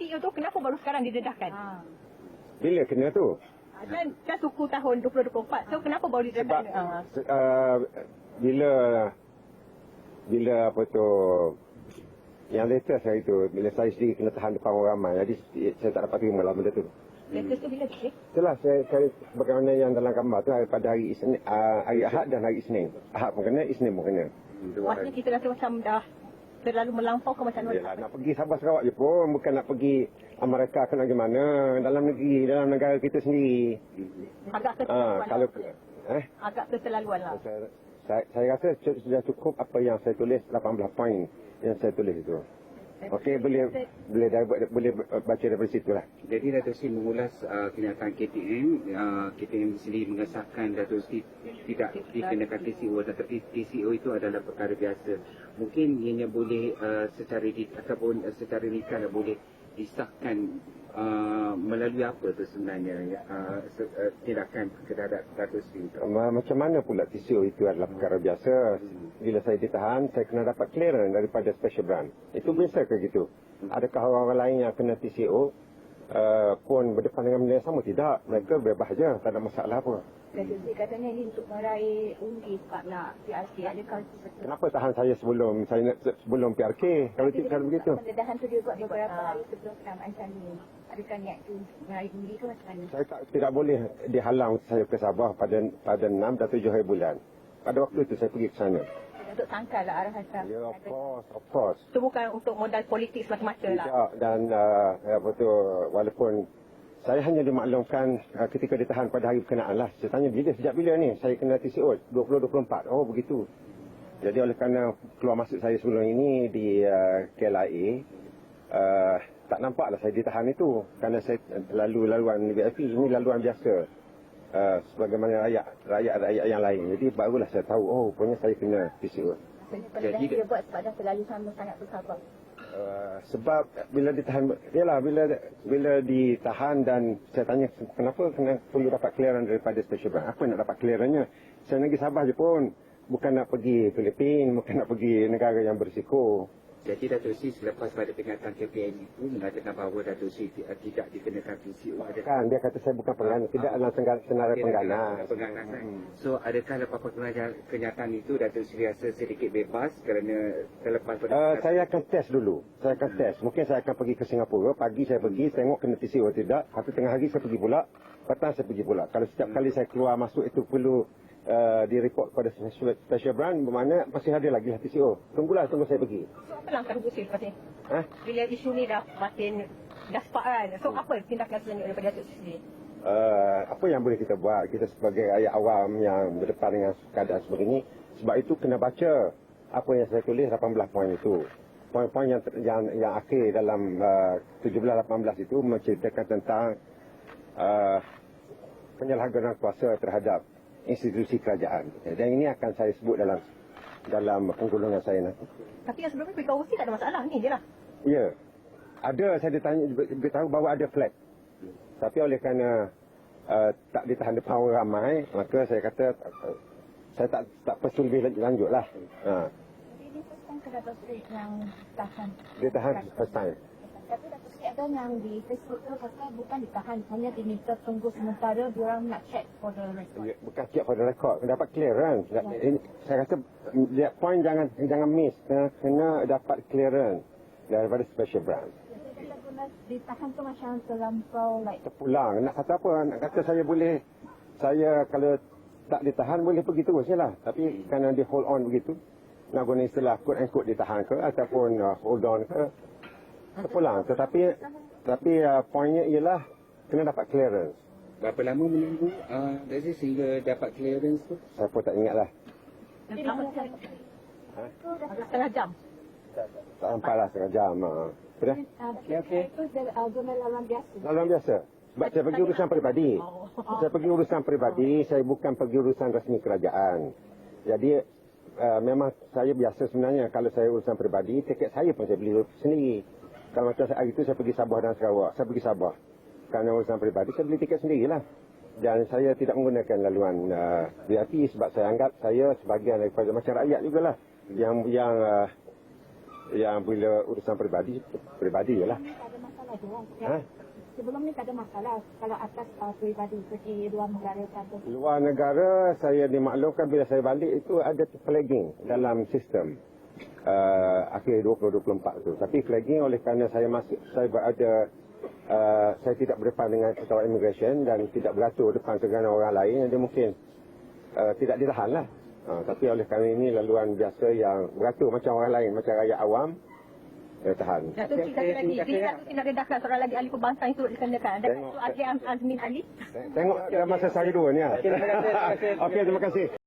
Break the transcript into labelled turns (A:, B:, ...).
A: KTU tu kenapa baru sekarang didedahkan?
B: Bila kena tu?
A: Dan suku tahun 2024. So kenapa baru didedahkan?
B: Bila apa tu, yang latest hari tu, bila saya sendiri kena tahan depan orang ramai, jadi saya tak dapat terima lah benda tu.
A: Latest tu bila?
B: Itulah saya bagaimana yang dalam gambar tu pada hari hari Ahad dan hari Isnin. Ahad pun kena, Isnin pun kena.
A: Maksudnya kita rasa macam dah terlalu melampau ke macam mana?
B: Yalah, nak pergi Sabah Sarawak je pun, bukan nak pergi Amerika ke nak gimana, dalam negeri, dalam negara kita sendiri.
A: Agak keterlaluan agak keterlaluan lah.
B: Saya rasa sudah cukup apa yang saya tulis, 18 poin yang saya tulis itu. Okey, boleh baca daripada situ lah.
C: Jadi Datuk Seri mengulas kenyataan KTM. KTM sendiri mengesahkan Datuk Seri tidak dikenakan TCO, tetapi TCO itu adalah perkara biasa. Mungkin ianya boleh secara nikah boleh disahkan melalui apa tu sebenarnya tindakan terhadap Datuk Seri.
B: Macam mana pula TCO itu adalah perkara biasa. Bila saya ditahan, saya kena dapat clearance daripada special branch. Itu biasa ke gitu? Adakah orang lain yang kena TCO pun berdepan dengan benda yang sama? Tidak. Mereka bebas saja, tak ada masalah apa.
A: Datuk Seri katanya ini untuk meraih undi sebab nak PRK. Adakah
B: kenapa tahan saya sebelum PRK? Kalau begitu.
A: Pendedahan tu dia buat beberapa hari sebelum penamaan ini. Adakah niat tu meraih undi ke macam mana?
B: Saya tidak boleh dihalang saya ke Sabah pada 6 dan 7 hari bulan. Pada waktu itu saya pergi ke sana.
A: Untuk tangkal lah arah hasrat.
B: Ya, of course.
A: Itu bukan untuk modal politik semata-mata lah.
B: Tidak, dan walaupun saya hanya dimaklumkan ketika ditahan pada hari berkenaan lah. Saya tanya sejak bila ni saya kena TCO? 2024. Oh begitu. Jadi oleh kerana keluar masuk saya sebelum ini di KLIA, tak nampaklah saya ditahan itu. Kerana saya laluan VIP, ini laluan biasa. Sebagaimana rakyat yang lain. Jadi barulah saya tahu, rupanya saya kena TCO.
A: Jadi dia buat sebab dah terlalu sangat bersabar.
B: Sebab bila ditahan, bila ditahan dan saya tanya kenapa perlu dapat clearance daripada special branch. Apa nak dapat clearance-nya? Saya pergi Sabah je pun, bukan nak pergi Filipin, bukan nak pergi negara yang berisiko.
C: Jadi Datuk Seri selepas pada pernyataan KPN itu mengatakan bahawa Datuk Seri tidak dikenakan TCO.
B: Kan dia kata saya bukan penggana, tidak dalam senarai penggana.
C: So adakah lepas kenyataan itu Datuk Seri rasa sedikit bebas kerana terlepas pada
B: saya akan test dulu. Saya akan test. Mungkin saya akan pergi ke Singapura. Pagi saya pergi tengok kena TCO tidak. Satu tengah hari saya pergi pula. Petang saya pergi pula. Kalau setiap kali saya keluar masuk itu perlu direport pada special branch, bermakna masih ada lagi TCO. Tunggu saya pergi.
A: So apa langkah Datuk Seri lepas ni? Bila isu ni dah makin sepak kan? So apa tindakan selanjutnya daripada Datuk Seri?
B: Apa yang boleh kita buat? Kita sebagai rakyat awam yang berdepan dengan keadaan sebegini, sebab itu kena baca apa yang saya tulis 18 poin itu. Poin-poin yang akhir dalam 17-18 itu menceritakan tentang penyalahgunaan kuasa terhadap institusi kerajaan. Dan ini akan saya sebut dalam penggulungan saya nanti.
A: Tapi yang sebelumnya prekausi tak ada masalah ni je lah.
B: Ya. Ada, saya beritahu bahawa ada flag. Tapi oleh kerana tak ditahan depan orang ramai, maka saya kata saya tak perlu lebih lanjut lah.
A: Jadi ini first time ke Datuk Seri yang tahan?
B: Dia tahan first time.
A: Tapi Datuk Seri ada yang di Facebook tu kata bukan ditahan, hanya diminta tunggu sementara, diorang nak check for the record.
B: Bukan check for the record, dapat clearance. Saya kata point jangan miss, kena dapat clearance daripada special branch.
A: Jadi guna ditahan tu macam terlampau
B: terpulang. Nak kata apa? Nak kata saya kalau tak ditahan boleh pergi terus je lah. Tapi kerana dia hold on begitu, nak guna istilah quote and quote ditahan ke ataupun hold on ke, terpulang. Tapi poinnya ialah kena dapat clearance.
C: Berapa lama menunggu sehingga dapat clearance tu?
B: Saya pun tak ingat lah.
A: Setengah jam.
B: Tak sampai lah setengah jam. Sudah?
A: Okey. Itu zona laluan biasa.
B: Laluan biasa. Sebab saya pergi urusan peribadi. Saya pergi urusan peribadi, saya bukan pergi urusan rasmi kerajaan. Jadi memang saya biasa sebenarnya kalau saya urusan peribadi, tiket saya pun saya beli sendiri. Kalau macam hari itu saya pergi Sabah dan Sarawak, saya pergi Sabah. Kerana urusan peribadi, saya beli tiket sendirilah. Dan saya tidak menggunakan laluan VIP sebab saya anggap saya sebahagian daripada macam rakyat jugalah. Yang bila urusan peribadi je lah.
A: Tak ada masalah je lah.
B: Ha?
A: Sebelum ni tak ada masalah kalau atas peribadi seperti luar negara atau
B: Luar negara, saya dimaklumkan bila saya balik itu ada flagging dalam sistem akhir 2024 tu. Tapi flagging oleh kerana saya berada, saya tidak berdepan dengan pesawat immigration dan tidak beratur depan segala orang lain, jadi mungkin tidak ditahan lah. Tapi oleh kerana ini laluan biasa yang beratur macam orang lain, macam rakyat awam, tahan.
D: Datuk Sri, satu lagi. Bila Datuk Sri nak redahkan seorang lagi ahli pembangsa yang turut dikendakan. Ada
B: Tengok.
D: Datuk Azmin Ali.
B: Tengok masa saya dua ni. Okey, terima kasih.